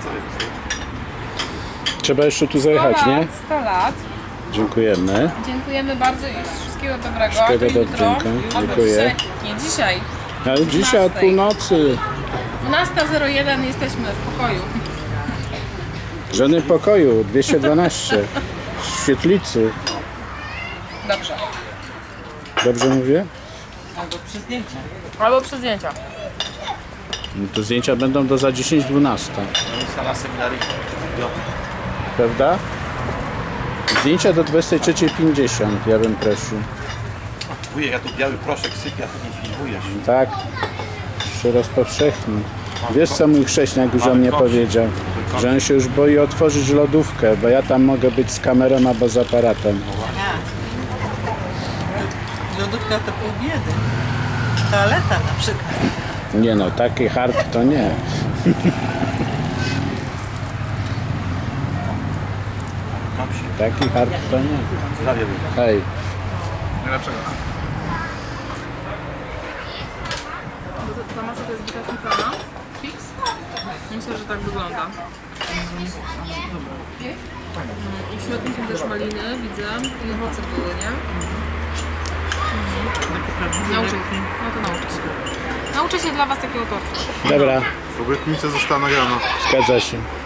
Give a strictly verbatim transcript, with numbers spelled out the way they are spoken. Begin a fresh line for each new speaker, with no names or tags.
Trzeba jeszcze tu zajechać, nie?
sto lat.
Dziękujemy.
Dziękujemy bardzo i wszystkiego dobrego.
Wszystkiego
To jutro,
dobrego.
albo
Dziękuję.
dzisiaj, nie dzisiaj.
Ale dzisiaj od północy.
dwunasta zero jeden jesteśmy w pokoju.
Żony pokoju, dwieście dwanaście. W świetlicy.
Dobrze.
Dobrze mówię?
Albo przy zdjęciach.
Albo przy zdjęciach.
No to zdjęcia będą do za dziesięć dwanaście.
Sala seminaryjna.
Prawda? Zdjęcia do dwudziestej trzeciej pięćdziesiąt, ja bym prosił.
Wujek, ja tu biały proszek sypia, to nie filmujesz.
Tak, się rozpowszechni. Wiesz co mój chrześniak już o mnie powiedział? Że on się już boi otworzyć lodówkę, bo ja tam mogę być z kamerą albo z aparatem.
Lodówka to pół biedy. Toaleta na przykład.
Nie no, taki hard to nie.
Mam się.
Taki hard to nie.
Zdrowie wujek.
Hej.
Najlepszego.
Ta masa to jest bita śmietana? Fix? Myślę, że tak wygląda. I w środku są też maliny, widzę. I owoce były, nie? Nauczę się. No to nauczę się. Nauczę się dla was takiego tortu.
Dobra,
Obietnica została nagrana.
zgadza się.